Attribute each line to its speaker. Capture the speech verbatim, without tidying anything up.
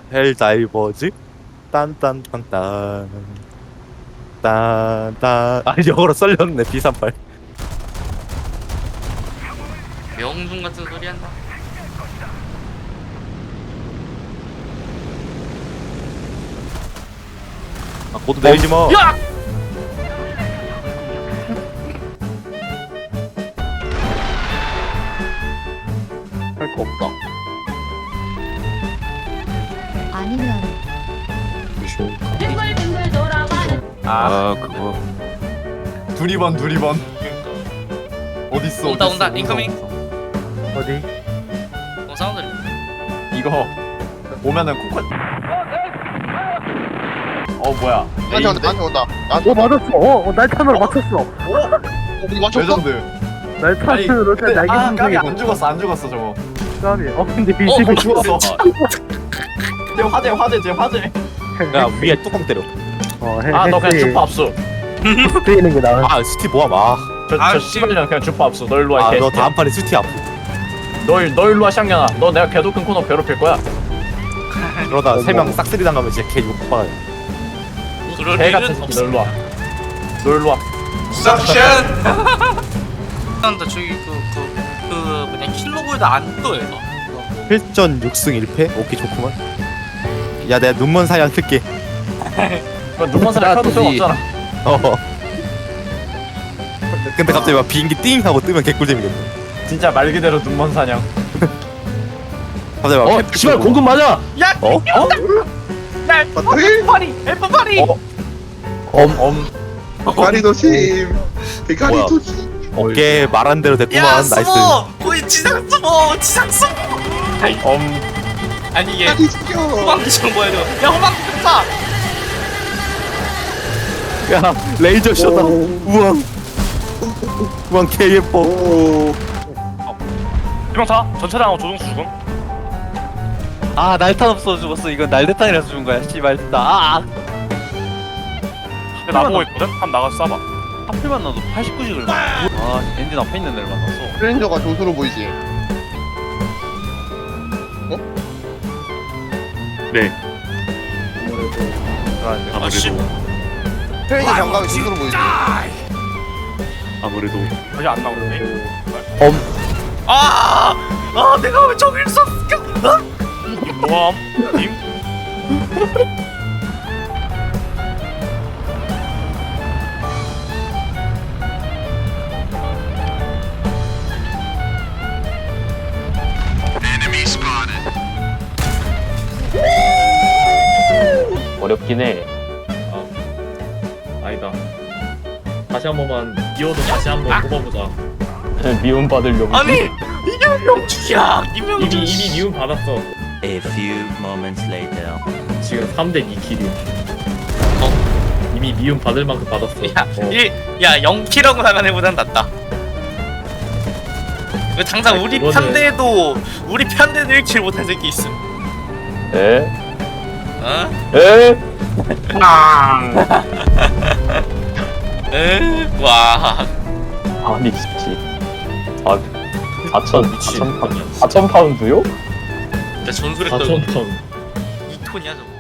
Speaker 1: 헬다이버즈 딴딴딴딴 딴딴. 아 영어로 썰렸네. 비 삼십팔.
Speaker 2: 명중 같은 소리 한다.
Speaker 1: 아 고도 내리지 마.
Speaker 2: 야!
Speaker 3: 할 거 없다.
Speaker 4: 아니면
Speaker 5: 빙글빙글 돌아가.
Speaker 3: 아,
Speaker 1: 아 그거.
Speaker 3: 두리번 두리번. 어딨어?
Speaker 2: 온다,
Speaker 3: 어딨어,
Speaker 2: 온다.
Speaker 3: 어딨어.
Speaker 2: 인커밍.
Speaker 1: 어디?
Speaker 2: 어 사운드.
Speaker 3: 이거 오면은 코코. 어 뭐야?
Speaker 6: 나한테 온다, 나한테 온다. 나한테
Speaker 7: 어 맞았어. 어, 어 날탄으로 맞췄어.
Speaker 6: 우리 맞췄어?
Speaker 3: 레전드.
Speaker 7: 날탄으로
Speaker 3: 근데
Speaker 7: 날개
Speaker 3: 아
Speaker 7: 상승이
Speaker 3: 까비 안 죽었어 안 죽었어 저거.
Speaker 7: 까비. 어 근데
Speaker 2: 어,
Speaker 7: 이십이
Speaker 3: 죽었어. 쟤 화재 화재 쟤 화재.
Speaker 1: 야 위에 뚜껑 때려.
Speaker 7: 어 해.
Speaker 3: 아 너 그냥 주파 압수.
Speaker 7: 쓰이는 게 나아.
Speaker 1: 아 스티 모함. 아.
Speaker 2: 아,
Speaker 3: 저저
Speaker 2: 씨.
Speaker 3: 씨발년 그냥 주파 압수. 너 일로 와.
Speaker 1: 아
Speaker 3: 개.
Speaker 1: 너 다음 판에 스티 아프.
Speaker 3: 너너 일로 와 샹년아. 너 내가 개도 큰 코너 괴롭힐 거야.
Speaker 1: 그러다 세 명 싹쓸이 당하면 진짜 개 욕받아.
Speaker 2: 그럴
Speaker 3: 개
Speaker 2: 일은
Speaker 3: 같은 새끼.
Speaker 2: 없어.
Speaker 3: 너 일로 와. 너 일로 와.
Speaker 2: 석션. 난다 저기 그그 그 뭐냐 킬로골드 안 떠 얘가.
Speaker 1: 칠전 육 승 일 패? 오케이 좋구만. 야 내가 눈먼 사양 쓸게.
Speaker 3: 그 눈먼 사람 켜도 소용없잖아.
Speaker 1: 어. 근데 갑자기 막 비행기 띵 하고 뜨면 개꿀잼이겠네.
Speaker 3: 진짜 말 그대로 눈먼 사냥.
Speaker 1: 갑자기 막
Speaker 7: 어 씨발 공급 맞아.
Speaker 2: 야,
Speaker 1: 어? 어?
Speaker 2: 날 파리, 엘프 파리.
Speaker 3: 어? 엄엄
Speaker 6: 비카리 도심. 비카리
Speaker 1: 뭐야?
Speaker 6: 도심.
Speaker 1: 어깨 말한 대로 됐구만.
Speaker 2: 야,
Speaker 1: 나이스.
Speaker 2: 숨어. 거의 지상 숨어, 지상 숨어.
Speaker 3: 엄.
Speaker 2: 아니 얘
Speaker 6: 비카리 죽여.
Speaker 2: 호박기처럼 보여 줘. 야, 호박기 파.
Speaker 1: 야 레이저 셔다. 우왕. 우왕 개 예뻐.
Speaker 6: 오.
Speaker 8: 희망타 전차량하고 조종수 죽음.
Speaker 9: 아 날탄 없어 죽었어. 이건 날대탄이라서 죽은 거야. 씨발 진짜. 아,
Speaker 8: 근데 나보고 있거든? 한번 나가서 쏴봐.
Speaker 9: 하필만 나도 팔십구씩을 만났어. 아 엔진 앞에 있는 애를 만났어.
Speaker 6: 트레인저가 조수로 보이지.
Speaker 8: 네.
Speaker 2: 아, 씨.
Speaker 6: 트레인저 장갑이 조수로 보이지.
Speaker 8: 아무래도 다시 안 나오네.
Speaker 2: 아, 아, 내가 왜 저길 썼을까? 어?
Speaker 8: 뭐함? 님?
Speaker 10: 어렵긴 해. 아, 아니다. 다시 한 번만 기어도 다시 한 번 뽑아보자.
Speaker 3: 미움 받을 용.
Speaker 2: 아니, 이게 명중이야.
Speaker 10: 이미
Speaker 2: 이명중.
Speaker 10: 이미 미움 받았어.
Speaker 9: A few moments later.
Speaker 10: 지금 삼 대 이 킬이.
Speaker 2: 어?
Speaker 10: 이미 미움 받을 만큼 받았어.
Speaker 2: 야,
Speaker 10: 어.
Speaker 2: 일, 야, 영 킬하고 나간 애보단 낫다. 왜 당장
Speaker 10: 아니,
Speaker 2: 우리
Speaker 10: 그거는-
Speaker 2: 편대에도 우리 편대도 일 킬 못한 새끼 있음.
Speaker 3: 에?
Speaker 2: 어?
Speaker 3: 에?
Speaker 2: 에? 와.
Speaker 3: 아니 씨. 아 사천
Speaker 10: 미친.
Speaker 3: 사천 파운드. 사천 파운드요?
Speaker 2: 진짜 전술했던
Speaker 10: 사천 턴.
Speaker 2: 이 톤이야 저거.